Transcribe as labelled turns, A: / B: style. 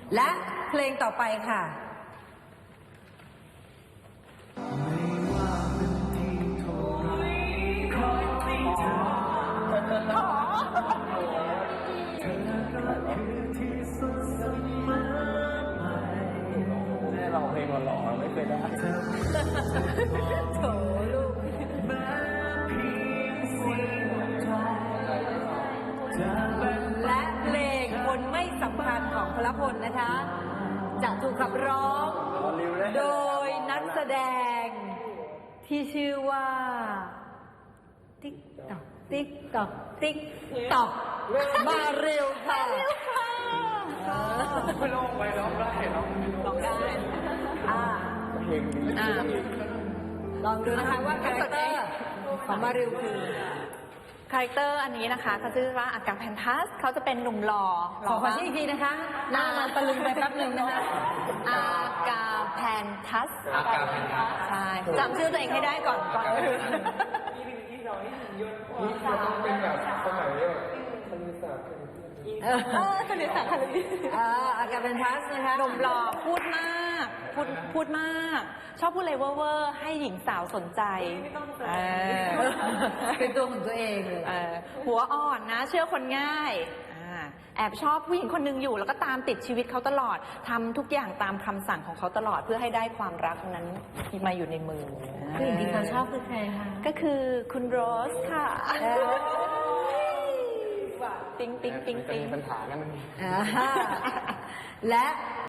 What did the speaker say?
A: และเพลงต่อไปค่ะ
B: แม่เราเพลงหล่อๆไม่เคยได้
A: โถลูกและเพลงคนไม่สำคัญของพลพลนะคะ จะถูกขับร้องโดยนักแสดงที่ชื่อว่าติ๊กตอกติ๊กตอกติ๊กตอกมาเร็วค่ะ
B: ไม่ร้องไปร้องได้ร้องได้เพลงดี
A: ลองดูนะคะว่าคาแรคเตอร์ของมาเร็วคือ
C: คาแรคเตอร์อันนี้นะคะเขาชื่อว่าอากาแพนทัสเขาจะเป็นหนุ่มหล่อ
A: ขอชื่ออีกทีนะคะหน้ามันตะลึงไปแป๊บหนึ่งนะคะ
C: อากาแพนทัส
B: อากาแพนทัส
C: ใช่จำชื่อตัวเองให้ได้ก่อน
B: นี่เป็นแบบสมัยคณิตศาสตร์
C: คณิตศาสตร์คณิต
A: อากาแพนทัสนะคะ
C: หนุ่มหล่อพูดมากพูดมากชอบพูดอะไรเวอร์ให้หญิงสาวสนใจ
A: เป็นตัวของตัวเองเลย
C: หัวอ่อนนะเชื่อคนง่ายแอบชอบผู้หญิงคนหนึ่งอยู่แล้วก็ตามติดชีวิตเขาตลอดทำทุกอย่างตามคำสั่งของเขาตลอดเพื่อให้ได้ความรักนั้นมาอยู่ในมือ
A: ผู้หญิงที่เขาชอบคือใครคะ
C: ก็คือคุณโรสค่ะปิ๊งปิ๊งปิ๊งปิ๊ง
B: ปัญหากัน
A: และ